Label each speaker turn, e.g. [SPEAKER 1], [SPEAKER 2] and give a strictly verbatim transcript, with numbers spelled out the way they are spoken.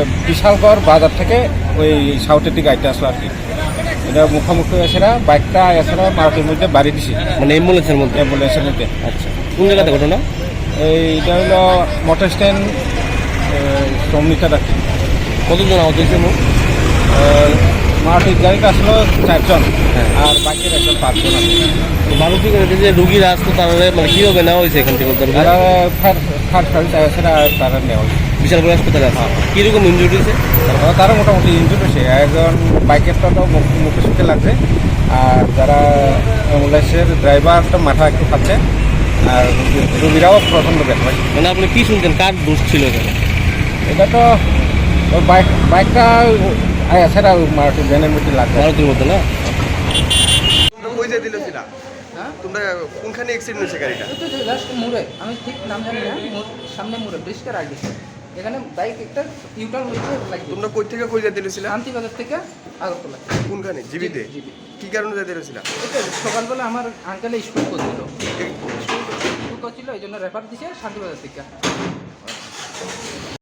[SPEAKER 1] বিশালগড় বাজার থেকে ওই সাউথের দিকে আইতে আসলো আর কি। এটা মুখোমুখি এসেরা বাইকটা এছাড়া মারুতির মধ্যে বাড়ি দিছি,
[SPEAKER 2] মানে অ্যাম্বুলেন্সের মধ্যে?
[SPEAKER 1] অ্যাম্বুলেন্সের মধ্যে।
[SPEAKER 2] আচ্ছা, কোন জায়গাতে ঘটনা?
[SPEAKER 1] এইটা হলো মোটর স্ট্যান্ড শ্রমিকের আর কি।
[SPEAKER 2] কতজন আহত হয়েছে?
[SPEAKER 1] মারুতির গাড়িটা আসলো চারজন,
[SPEAKER 2] হ্যাঁ।
[SPEAKER 1] আর বাকির একজন পাঁচজন আছে।
[SPEAKER 2] মারুতি গাড়িতে যে রুগীরা আসতো তারা মানে কীভাবে নেওয়া হয়েছে এখান থেকে?
[SPEAKER 1] তারা ফায়ার ফায়ার সার্ভিস এছাড়া তারা নেওয়া হয়েছে।
[SPEAKER 2] বিশাল করে হাসপাতালে আছে। কীরকম ইনজুরি হয়েছে?
[SPEAKER 1] তারা মোটামুটি ইনজুরি হয়েছে। একজন বাইকেরটা তো মুখে সুখে লাগছে, আর যারা অ্যাম্বুলেন্সের ড্রাইভারটা মাথা একটু খাচ্ছে, আর রোগীরাও প্রচণ্ড ব্যথা পায়।
[SPEAKER 2] মানে আপনি কী শুনছেন, কার দোষ ছিল এখানে?
[SPEAKER 1] এটা তো ওই বাইক বাইকটা এছাড়া মারুতি ভ্যানের মধ্যে লাগছে।
[SPEAKER 2] মারুতির মধ্যে না?
[SPEAKER 3] কই যাই দিলেছিল? হ্যাঁ, তোমরা কোনখানে অ্যাক্সিডেন্ট হয়েছে গাড়িটা?
[SPEAKER 4] ওই তো যে জাস্ট মোড়ে, আমি ঠিক নাম জানি না, মোড় সামনে মোড়ে ব্রিজটার আগে এখানে বাইক একটা ইউটার্ন হয়েছে লাইক।
[SPEAKER 3] তোমরা কই থেকে কই যাই দিলেছিল?
[SPEAKER 4] শান্তিবাজার থেকে আগরতলা।
[SPEAKER 3] কোনখানে? জিবিতে?
[SPEAKER 4] জিবি।
[SPEAKER 3] কি কারণে যাই দিলেছিল?
[SPEAKER 4] এটা সকালবেলা আমার আঙ্কেলে স্কুল করছিল, স্কুল করছিল এই জন্য রেফার দিছে শান্তিবাজার থেকে।